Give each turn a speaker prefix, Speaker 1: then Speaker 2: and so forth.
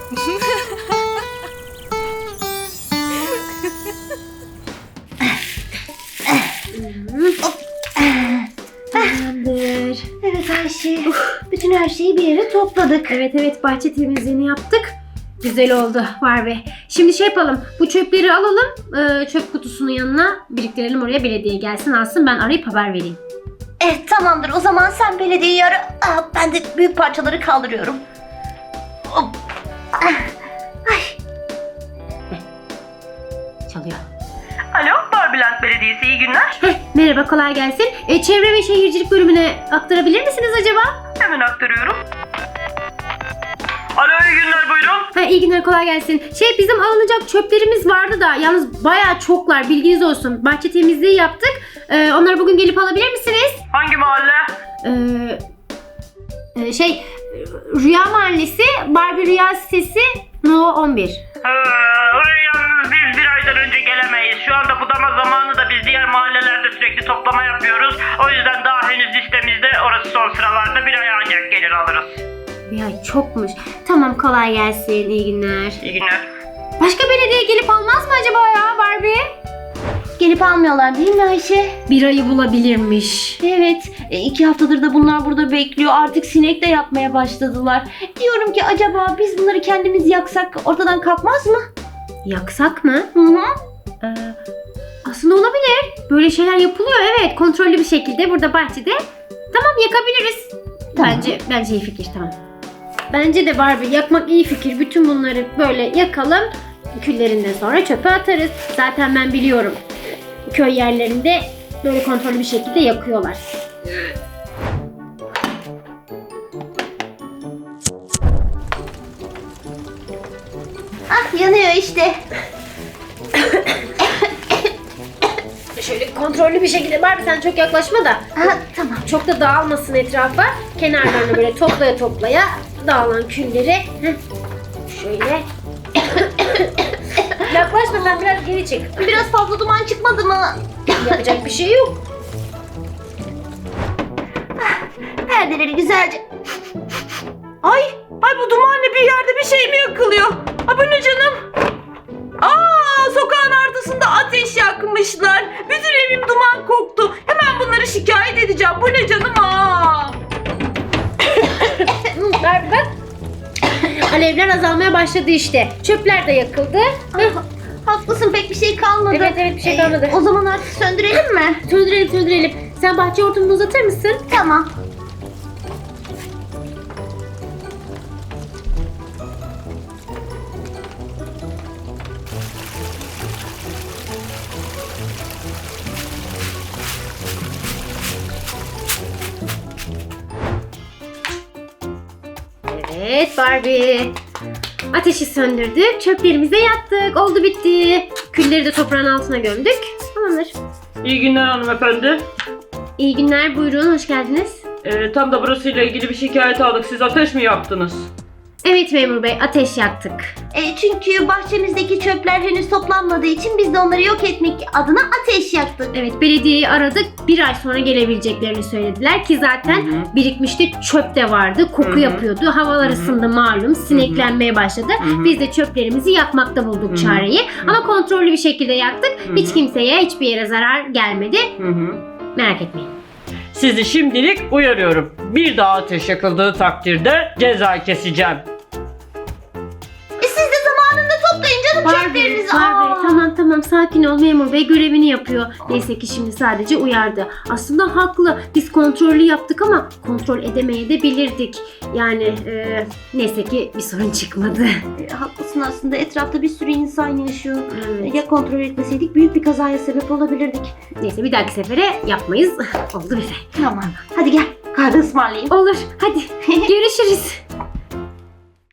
Speaker 1: Tamamdır.
Speaker 2: Evet Ayşe. Bütün her şeyi bir yere topladık.
Speaker 1: Evet bahçe temizliğini yaptık. Güzel oldu Barbie. Şimdi şey yapalım. Bu çöpleri alalım. Çöp kutusunun yanına biriktirelim, oraya belediye gelsin alsın. Ben arayıp haber vereyim.
Speaker 2: Evet tamamdır. O zaman sen belediyeyi ara. Ben de büyük parçaları kaldırıyorum. Hop. Ay.
Speaker 1: Çalıyor.
Speaker 3: Alo, Barbieland Belediyesi, iyi günler.
Speaker 1: Merhaba, kolay gelsin. Çevre ve Şehircilik bölümüne aktarabilir misiniz acaba?
Speaker 3: Hemen aktarıyorum. Alo, iyi günler, buyurun.
Speaker 1: İyi günler, kolay gelsin. Bizim alınacak çöplerimiz vardı da yalnız bayağı çoklar, bilginiz olsun. Bahçe temizliği yaptık. Onları bugün gelip alabilir misiniz?
Speaker 3: Hangi mahalle?
Speaker 1: Rüya Mahallesi, Barbie Rüya sitesi, No 11.
Speaker 3: Oraya yalnız biz bir aydan önce gelemeyiz. Şu anda budama zamanı da biz diğer mahallelerde sürekli toplama yapıyoruz. O yüzden daha henüz listemizde orası son sıralarda, bir ay ancak gelir alırız.
Speaker 1: Bir ay çokmuş. Tamam, kolay gelsin, iyi günler.
Speaker 3: İyi günler.
Speaker 1: Başka belediye gelip almaz mı acaba ya Barbie?
Speaker 2: Gelip almıyorlar değil mi Ayşe?
Speaker 1: Bir ayı bulabilirmiş.
Speaker 2: Evet. 2 haftadır da bunlar burada bekliyor. Artık sinek de yapmaya başladılar. Diyorum ki acaba biz bunları kendimiz yaksak ortadan kalkmaz mı?
Speaker 1: Yaksak mı?
Speaker 2: Hı.
Speaker 1: Aslında olabilir. Böyle şeyler yapılıyor, evet. Kontrollü bir şekilde burada bahçede. Tamam, yakabiliriz.
Speaker 2: Tamam.
Speaker 1: Bence iyi fikir, tamam. Bence de Barbie, yakmak iyi fikir. Bütün bunları böyle yakalım. Küllerinden sonra çöpe atarız. Zaten ben biliyorum. Köy yerlerinde böyle kontrollü bir şekilde yakıyorlar.
Speaker 2: Yanıyor işte.
Speaker 1: Şöyle kontrollü bir şekilde, Barbie sen çok yaklaşma da.
Speaker 2: Tamam.
Speaker 1: Çok da dağılmasın etrafa. Kenarlarını böyle toplaya dağılan külleri. Şöyle. Yaklaşma, sen biraz geri çık.
Speaker 2: Biraz fazla duman çıkmadı mı?
Speaker 1: Yapacak bir şey yok.
Speaker 2: Perdeleri güzelce.
Speaker 3: Ay bu dumanlı bir yerde bir şey mi yakılıyor? Bu ne canım? Sokağın ortasında ateş yakmışlar. Bütün evim duman koktu. Hemen bunları şikayet edeceğim. Bu ne canım?
Speaker 1: Barbie bak. Alevler azalmaya başladı işte. Çöpler de yakıldı.
Speaker 2: Haklısın, pek bir şey kalmadı.
Speaker 1: Evet, bir şey kalmadı.
Speaker 2: O zaman artık söndürelim mi?
Speaker 1: Söndürelim. Sen bahçe hortumunu uzatır mısın?
Speaker 2: Tamam.
Speaker 1: Evet Barbie. Ateşi söndürdük. Çöplerimize yattık. Oldu bitti. Külleri de toprağın altına gömdük. Tamamdır.
Speaker 3: İyi günler hanımefendi.
Speaker 1: İyi günler, buyurun, hoş geldiniz.
Speaker 3: Tam da burasıyla ilgili bir şikayet aldık. Siz ateş mi yaktınız?
Speaker 1: Evet memur bey, ateş yaktık.
Speaker 2: Çünkü bahçemizdeki çöpler henüz toplanmadığı için biz de onları yok etmek adına ateş yaktık.
Speaker 1: Evet, belediyeyi aradık. Bir ay sonra gelebileceklerini söylediler ki zaten birikmişti, çöp de vardı. Koku yapıyordu. Havalar ısındı malum. Sineklenmeye başladı. Biz de çöplerimizi yakmakta bulduk çareyi. Ama kontrollü bir şekilde yaktık. Hiç kimseye, hiçbir yere zarar gelmedi. Merak etmeyin.
Speaker 3: Sizi şimdilik uyarıyorum. Bir daha ateş yakıldığı takdirde ceza keseceğim.
Speaker 2: Siz de zamanında toplayın canım çöplerinizi.
Speaker 1: Tamam, sakin ol, memur bey görevini yapıyor. Neyse ki şimdi sadece uyardı. Aslında haklı. Biz kontrollü yaptık ama kontrol edemeye de bilirdik. Yani neyse ki bir sorun çıkmadı.
Speaker 2: Haklısın, aslında etrafta bir sürü insan yaşıyor. Ya kontrol etmeseydik büyük bir kazaya sebep olabilirdik.
Speaker 1: Neyse, bir dahaki sefere yapmayız. Oldu bize.
Speaker 2: Tamam. Hadi gel, kahve ısmarlayayım.
Speaker 1: Olur, hadi görüşürüz.